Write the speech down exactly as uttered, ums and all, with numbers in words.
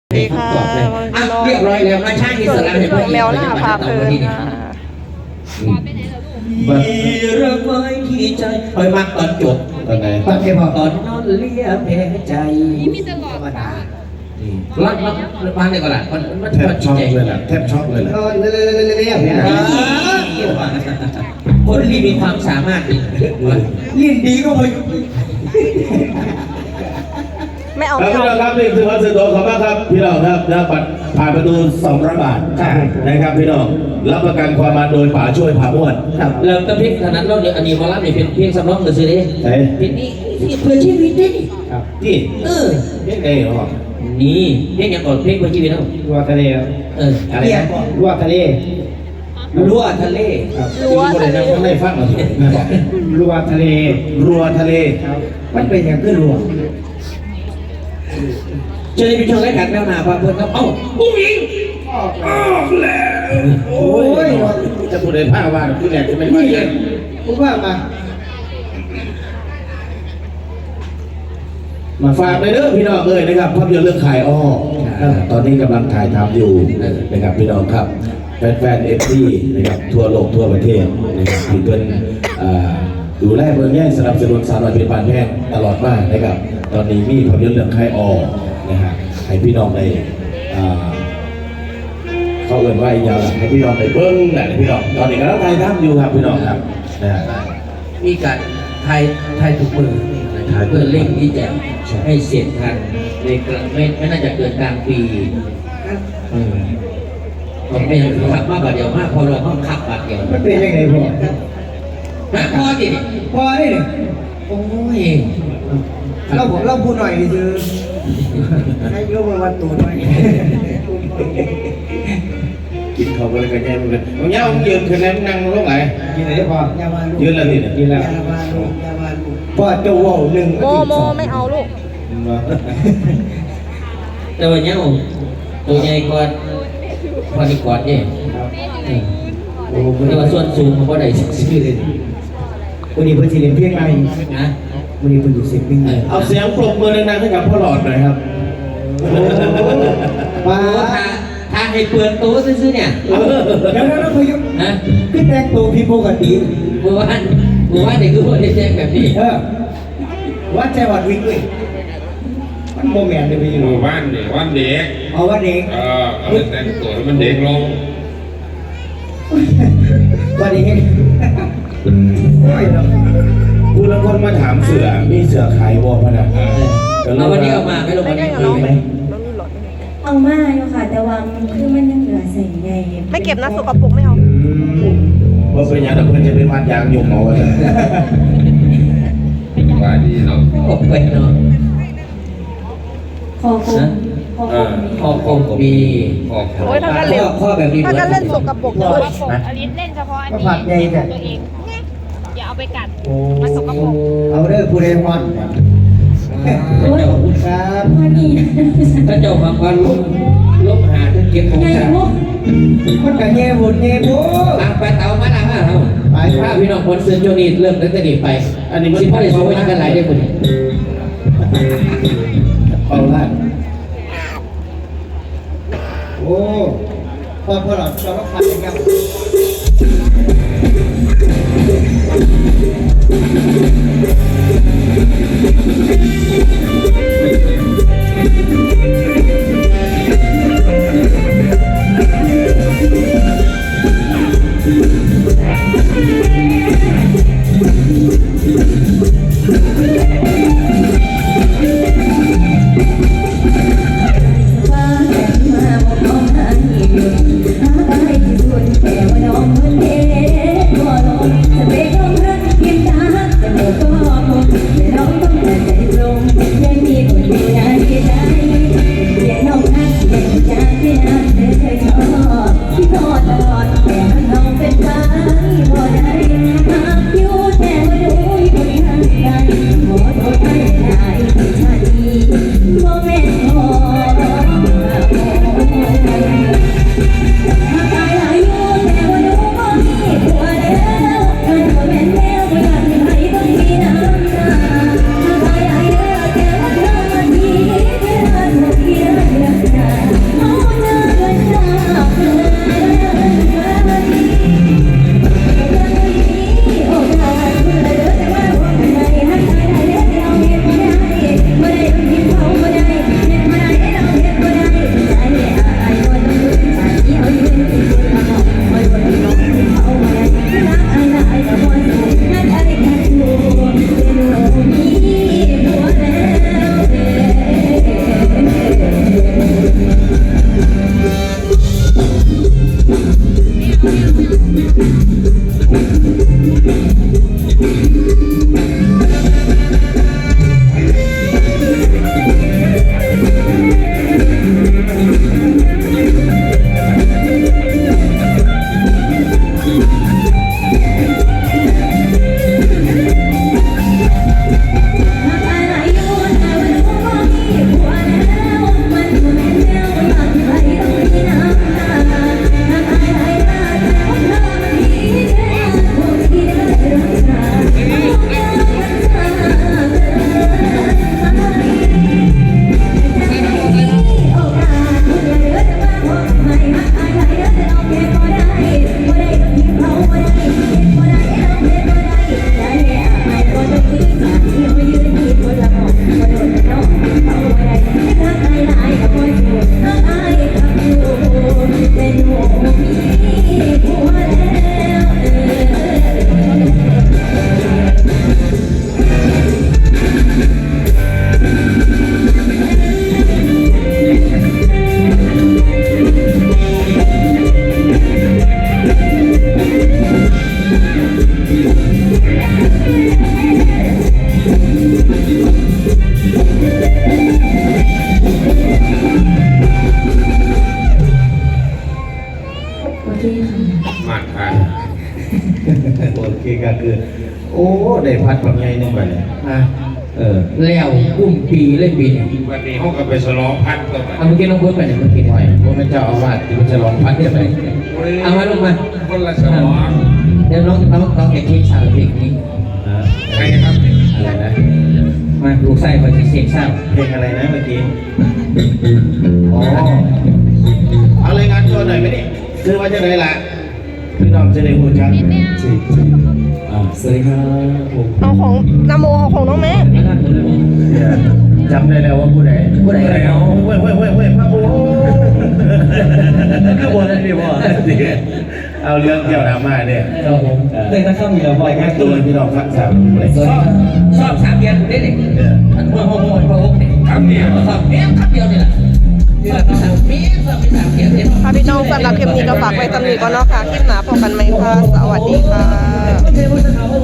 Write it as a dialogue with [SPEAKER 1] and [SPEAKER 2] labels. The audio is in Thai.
[SPEAKER 1] สวัสดีค่ะ
[SPEAKER 2] อ่ะเรียบร้อยแล้วมาช่างอิสระให้
[SPEAKER 1] ส่งแมวล่าพาเพลินค่ะ
[SPEAKER 2] มีรักไว้ที่ใจคอยมักตอนจบ
[SPEAKER 3] ตอนไหน
[SPEAKER 2] ตอนเก็บตอนนอนเลียแผลใจธรรมดารักรักรักในก่อนละมันมัน
[SPEAKER 3] แทบ
[SPEAKER 2] มัน
[SPEAKER 3] ช็อก
[SPEAKER 2] ใจ
[SPEAKER 3] เลยแหละแทบช็อกเลยแหละ
[SPEAKER 4] ก็เรื่อยๆๆๆเนี่ย
[SPEAKER 2] คนที่มีความสามารถดี
[SPEAKER 4] เรียนดีก็พอ
[SPEAKER 1] ไม่เอา
[SPEAKER 3] ครับ
[SPEAKER 1] ไม่
[SPEAKER 3] พี่น้
[SPEAKER 1] เอา
[SPEAKER 3] องครับนี่คือวัดสุโขขอบคุณครับพี่น้องครับนะบัตรผ่านประตูสองร้อยบาทนะครับพี่น้องรับประกันความมาโดยป่าช่วยผ่าม้วน
[SPEAKER 2] ครับเริ่มต้นเพลงขนาดเราเนี่ยอันนี้มารับเนี่ยเป็นเพลงสำรองหรือซื้อดิ
[SPEAKER 3] ใช่
[SPEAKER 2] เพลงนี้เพื่อชีวิตดิ
[SPEAKER 3] ครับที่
[SPEAKER 2] เออ
[SPEAKER 3] เฮ้ยไงเหรอ
[SPEAKER 2] นี่เพลงอย่างก่อนเพลงเพื่อชีวิตเนาะ
[SPEAKER 4] รัวทะเล
[SPEAKER 2] เอออะไร
[SPEAKER 4] เนี่ย
[SPEAKER 2] นะ
[SPEAKER 4] รัวทะเล
[SPEAKER 2] รั้วทะเล
[SPEAKER 1] รั้วทะเล
[SPEAKER 3] ไม่ได้ฟังเหรอ
[SPEAKER 4] รัวทะเล
[SPEAKER 3] รัวทะเล
[SPEAKER 4] ครับมันเป็นอย่างขึ้นรัว
[SPEAKER 2] เจอในช่วงรายการแมวนาพาเพื่อนครับเอ้าผู้หญิง
[SPEAKER 3] โอ้ยจะพูดในผ้าว่าผู้แรกจะไม่ว่า
[SPEAKER 4] นี่
[SPEAKER 3] เยอะ
[SPEAKER 4] ผมว่ามา
[SPEAKER 3] มาฝากเลยเด้อพี่น้องเอ้ยนะครับภาพยนตร์เรื่องขายอ้อตอนนี้กำลังถ่ายทำอยู่นะครับพี่น้องครับแฟนๆเอฟซีนะครับทั่วโลกทั่วประเทศนะครับที่เป็นอ่าดูแลเมืองแย่งสนับสนุนสาวน้อยเป็นบานแห้งตลอดมานะครับตอนนี้มีภาพยนตร์เรื่องขายอ้อนะฮะให้พี่น้องได้อ่าเขาเอ่นว่าอีกอย่างให้พี่น้องได้เบิ้งแหละพี่น้องตอนนี้กำลังถ่ายทำอยู่ครับพี่น้องครับนะฮะ
[SPEAKER 2] มีการไทยไทยทุกมือเพื่อเร่งที่จะให้เสร็จทันในกลางไม่ไม่น่าจะเกินกลางปีอืมผมไม่ยังขับมากกว่าเดียวมากพอเราต้องขับบาทเดียว
[SPEAKER 4] มันเป็นยังไงพ่อ
[SPEAKER 2] ฮะพอดิ
[SPEAKER 4] พอได้เนี่ย
[SPEAKER 2] โอ้ย
[SPEAKER 4] เราผมเราพูดหน่อยดิคือให้ยกมาวัดตัวหน่อย
[SPEAKER 3] กินเขาก็เลยกันแย่เหมือนกันมึงเนี้ยมึงยืนคืนนั้นนั่งลงไหน
[SPEAKER 4] กินไหนพ่อยามาลูก
[SPEAKER 3] ยืนแล้วนี่เนี่ย
[SPEAKER 4] กินแล้วยามาลูกยามาลูกพ่อจะว่าวหนึ่ง
[SPEAKER 1] โมโมไม่เอาลูก
[SPEAKER 2] แต่วันนี้ผมตัวใหญ่กว่าพอดีกว่าเนี่ย
[SPEAKER 4] โอ้โห
[SPEAKER 2] แต่ว่าส่วนสูงผมก็ได้ชื่อเลย
[SPEAKER 4] วันนี้เพิ่งจะเรียนเพียงไร
[SPEAKER 2] นะ
[SPEAKER 4] วันนี้เพิ่งอยู่เสียงวิ่ง
[SPEAKER 3] เอาเสียงปรบมือดังๆให้กับพ่อหลอดหน่อยครับ
[SPEAKER 4] ป้า
[SPEAKER 2] โอ้ถ้าถ้าให้เปลือนตัวซื้อๆเนี่ย
[SPEAKER 4] เดี๋ยวแล้วพยุก
[SPEAKER 2] นะ
[SPEAKER 4] ขึ้นแต่งตัวผิดปกติ
[SPEAKER 2] เมื่อวานเมื่อวานเด็กคือพวกเด็กๆแบบนี้
[SPEAKER 4] เออวัดใจวัดวิ่งเลยมันโมแมนเลยไปอยู่
[SPEAKER 5] หมู่บ้านเด็กวันเด็ก
[SPEAKER 4] เอาวัดเด็ก
[SPEAKER 5] เออเอาไปแต่งตัวให้มันเด็กลง
[SPEAKER 4] วัดเด็กโอ้ยเนาะ
[SPEAKER 3] ผู้ละคนมาถามเสือมีเสือขายวอพนัก
[SPEAKER 2] เราวันนี้เอามาไม่ลง
[SPEAKER 1] ไม่
[SPEAKER 2] วัน
[SPEAKER 1] ได้
[SPEAKER 2] นี้
[SPEAKER 1] กับน้อง
[SPEAKER 2] มีไหม
[SPEAKER 1] น้องมีหลอด
[SPEAKER 6] เอามาอยู่ค่ะ แต่ว่ามันคือมันยังเหลือใส่ไง
[SPEAKER 1] ไม่เก็บนะสกปรกไม่เอา
[SPEAKER 3] ว่าเป็นอย่างนั้นเพื่อนจะเป็นวัดยางยงเอาไว้
[SPEAKER 5] ว่าดีเนาะ
[SPEAKER 2] โอ้ไปเนาะ
[SPEAKER 6] คอคงคอคง
[SPEAKER 2] คอคงมี
[SPEAKER 5] ออก
[SPEAKER 1] โอ้ยถ้ากันเล่น
[SPEAKER 2] ข้อแบบนี้
[SPEAKER 1] ถ้ากันเล่นสกปรกเลย
[SPEAKER 7] อลิสเล่นเฉพาะอัน
[SPEAKER 4] ก็
[SPEAKER 7] นี้
[SPEAKER 4] ผัดใหญ่แต่
[SPEAKER 7] ตัวเองอย่าเอาไปกัด
[SPEAKER 4] โอ้
[SPEAKER 7] มันสกปรก
[SPEAKER 4] เอาเด้อผู้ใดมอนขอบคุณครับ
[SPEAKER 6] พอดี
[SPEAKER 2] ถ้าเจ้าบางวันลบลบหาจนเก็บของ
[SPEAKER 6] ไง
[SPEAKER 2] สา
[SPEAKER 6] พวก
[SPEAKER 4] คนกันแง่บุญแง่บุญ
[SPEAKER 2] อ่ะไปเตามาหน้ามาเราไปถ้าพี่น้องคนเสือโจนีเริ่มตั้งแต่นี้ไป อันนี้มันสิพ่อได้ช่วยกันหลายได้คน
[SPEAKER 3] เอาละ
[SPEAKER 4] โอ้พอพอเราเราก็ผัดอย่างเงี้ย
[SPEAKER 6] ว่าแต่มาบอกน้องให้หยุดหาอะไรที่สุดแต่ว่าน้องมันเอ๋ก็ลงจะไปลงรักเพียงตาแต่หมดก็คงแต่น้องต้องตัดใจลงยังมีคนเดียวที่ใจ
[SPEAKER 3] โอเคก็คือ โอ้ได้พัดบางไงนึงไปเลย
[SPEAKER 2] อ่ะ
[SPEAKER 3] เออ
[SPEAKER 2] แล้วกุ้มปีเล่นปีเนี่ย
[SPEAKER 5] วันนี้เขาก็ไปฉลองพันต่อไป
[SPEAKER 2] เอาเมื่อกี้น้องเบิร์ดไปไหนเมื่อกี้
[SPEAKER 3] หน่
[SPEAKER 2] เนี่ย
[SPEAKER 3] อยว่ามันเจ้าอาวาสที่มันจะลองพัดยังไง
[SPEAKER 2] เอามาลงมา
[SPEAKER 5] คนละฉลอง
[SPEAKER 2] เดี๋ยวน้องน้องน้องจะเค้กสาวเพลงนี้
[SPEAKER 5] ใครครับ
[SPEAKER 3] อะไรนะ
[SPEAKER 2] มาลูกไส้คอยจะเสียงเศร้า
[SPEAKER 3] เพลงอะไรนะเมื่อกี้อ๋อเอารายงานตัวหน่อยไหมนี่คือว่าจะได้ละพี่น้องจะได้หูจักอ่าสวัสดีครับผม
[SPEAKER 1] เอาของนโมเอาของน้องแม่
[SPEAKER 3] จำได้แล้วว่าผู้ใดผู้ใดเอาเว้ยเว้ยเว้ยเว้ยพระโอ้ก็บอกนั่นดีบ่เอาเรื่องเกี่ยวกับมาเนี่ย
[SPEAKER 2] ครับผมเต้นนักข้ามมีเราบ่อย
[SPEAKER 3] ราย
[SPEAKER 2] มาง
[SPEAKER 3] าก นตัวพี่น้องฟังสามเลย
[SPEAKER 2] ชอบชอบสามเดือนได้เลยอันพ่อพ่อพ่อพ่อพ่อเนี่ย
[SPEAKER 5] คำเดียว
[SPEAKER 2] ชอบเนี้ยคำเดียวเนี่ยแหละนี่แหละสามเมียสามสามเดือนเนี่ย
[SPEAKER 1] ค่ะพี่น้องสำหรับคลิปนี้ก็ฝากไว้ตำหนิก่อนเนาะค่ะคลิปหนาพบกันไหมค่ะ สวัสดีค่ะ
[SPEAKER 2] เทพบุตรเขา